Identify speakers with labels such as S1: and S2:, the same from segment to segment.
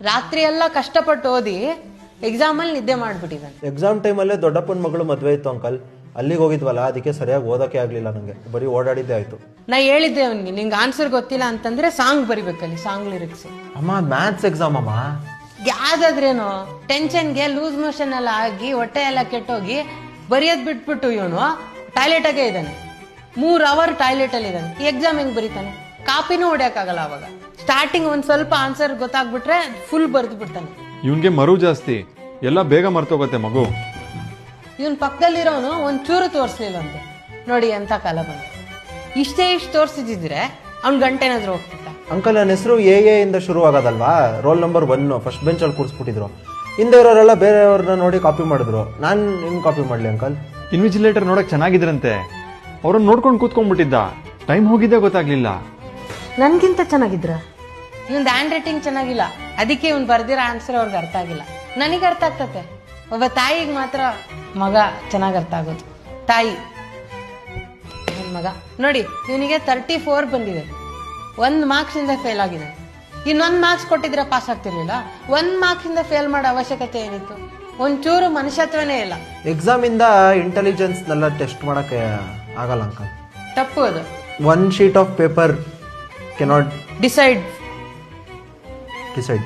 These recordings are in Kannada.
S1: ರಾತ್ರಿ ಎಲ್ಲ ಕಷ್ಟಪಟ್ಟು ಓದಿ ಎಕ್ಸಾಮ್ ಅಲ್ಲಿ ನಿದ್ದೆ ಮಾಡ್ಬಿಟ್ಟಿದ್ದಾನೆ.
S2: ಎಕ್ಸಾಮ್ ಟೈಮಲ್ಲೇ ದೊಡ್ಡಪ್ಪನ ಮಗಳು ಮದುವೆ ಇತ್ತು ಅಂಕಲ್. ಅಲ್ಲಿಗೆ ಹೋಗಿದ್ವಲ್ಲ, ಅದಕ್ಕೆ ಸರಿಯಾಗಿ ಓದೋಕೆ ಆಗ್ಲಿಲ್ಲ ನಂಗೆ. ಬರೀ ಓಡಾಡಿದ್ದೆ ಆಯ್ತು.
S1: ನಾ ಹೇಳಿದ್ದೆ ಅವನಿಗೆ, ನಿಂಗೆ ಆನ್ಸರ್ ಗೊತ್ತಿಲ್ಲ ಅಂತಂದ್ರೆ ಸಾಂಗ್ ಬರಿಬೇಕಲ್ಲಿ, ಸಾಂಗ್ ಲಿರಿಕ್ಸ್.
S2: ಅಮ್ಮ ಮ್ಯಾಥ್ಸ್ ಎಕ್ಸಾಮ್ ಅಮ್ಮ.
S1: ಯಾವ್ದಾದ್ರೇನು ಟೆನ್ಷನ್ಗೆ ಲೂಸ್ ಮೋಷನ್ ಎಲ್ಲ ಆಗಿ ಹೊಟ್ಟೆ ಎಲ್ಲ ಕೆಟ್ಟೋಗಿ ಬರೆಯೋದ್ ಬಿಟ್ಬಿಟ್ಟು ಇವನು ಟಾಯ್ಲೆಟ್ ಆಗೇ ಇದ್ದಾನೆ. 3 ಅವರ್ ಟಾಯ್ಲೆಟ್ ಅಲ್ಲಿ ಇದ್ದಾನೆ. ಎಕ್ಸಾಮ್ ಹೆಂಗ್ ಬರೀತಾನೆ? ಕಾಪಿನೂ ಹೊಡ್ಯಕ್ಕಾಗಲ್ಲ. ಅವಾಗ ಸ್ಟಾರ್ಟಿಂಗ್ ಒಂದ್ ಸ್ವಲ್ಪ ಆನ್ಸರ್ ಗೊತ್ತಾಗ್ಬಿಟ್ರೆ ಫುಲ್ ಬರೆದು ಬಿಡ್ತಾನೆ.
S3: ಇವನ್ಗೆ ಮರು ಜಾಸ್ತಿ, ಎಲ್ಲ ಬೇಗ ಮರ್ತೋಗತ್ತೆ ಮಗು.
S1: ಇವನ್ ಪಕ್ಕದಲ್ಲಿರೋನು ಒಂಚೂರು ತೋರಿಸ್ಲಿಲ್ಲಂತೆ. ನೋಡಿ ಎಂತ ಕಾಲ ಬಂತು. ಇಷ್ಟು ತೋರಿಸಿದ್ರೆ ಅವ್ನ್ ಗಂಟೆನಾದ್ರೂ ಹೋಗ್ತಿದ್ದ.
S2: ಅಂಕಲ್ ನನ್ನ ಹೆಸರು ಎ ಇಂದ ಶುರು ಆಗೋದಲ್ವಾ. ರೋಲ್ ನಂಬರ್ 1 ಫಸ್ಟ್ ಬೆಂಚ್ ಅಲ್ಲಿ ಕೂರಿಸ್ಬಿಟ್ಟಿದ್ರು. ಹಿಂದೆ ಇರೋರೆಲ್ಲ ಬೇರೆಯವ್ರನ್ನ ನೋಡಿ ಕಾಪಿ ಮಾಡಿದ್ರು. ನಾನು ಹೆಂಗ್ ಕಾಪಿ ಮಾಡ್ಲಿ ಅಂಕಲ್?
S3: ಇನ್ವಿಜಿಲೇಟರ್ ನೋಡಕ್ ಚೆನ್ನಾಗಿದ್ರಂತೆ, ಅವ್ರನ್ನ ನೋಡ್ಕೊಂಡು ಕೂತ್ಕೊಂಡ್ಬಿಟ್ಟಿದ್ದ. ಟೈಮ್ ಹೋಗಿದ್ದೆ ಗೊತ್ತಾಗ್ಲಿಲ್ಲ.
S1: ನನ್ಗಿಂತ ಚೆನ್ನಾಗಿದ್ರ? ಇವ್ನ್ ಹ್ಯಾಂಡ್ ರೈಟಿಂಗ್ ಚೆನ್ನಾಗಿಲ್ಲ, ಅದಕ್ಕೆ ಇವ್ನ್ ಬರ್ದಿರೋ ಆನ್ಸರ್ ಅವ್ರಿಗೆ ಅರ್ಥ ಆಗಿಲ್ಲ. ನನಗೆ ಅರ್ಥ ಆಗ್ತತೆ. ಒಬ್ಬ ತಾಯಿಗೆ ಮಾತ್ರ ಮಗ ಚೆನ್ನಾಗಿ ಅರ್ಥ ಆಗೋದು. ತಾಯಿ ನನ್ ಮಗ ನೋಡಿ, ಇವನಿಗೆ 34 ಬಂದಿದೆ. 1 ಮಾರ್ಕ್ಸ್ ಇಂದ ಫೇಲ್ ಆಗಿದೆ. ಇನ್ನೊಂದು ಮಾರ್ಕ್ಸ್ ಕೊಟ್ಟಿದ್ರೆ ಪಾಸ್ ಆಗ್ತಿರ್ಲಿಲ್ಲ. 1 ಮಾರ್ಕ್ಸ್ ಇಂದ ಫೇಲ್ ಮಾಡೋ ಅವಶ್ಯಕತೆ ಏನಿತ್ತು? ಒಂಚೂರು ಮನುಷ್ಯತ್ವನೇ ಇಲ್ಲ.
S2: ಎಕ್ಸಾಮ್ ಇಂದ ಇಂಟೆಲಿಜೆನ್ಸ್ ನೆಲ್ಲ ಟೆಸ್ಟ್ ಮಾಡಕ್ಕೆ ಆಗಲ್ಲ ಅಂಕಲ್.
S1: ತಪ್ಪು ಅದು.
S2: 1 sheet of paper cannot
S1: decide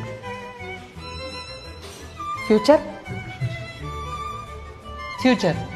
S1: future.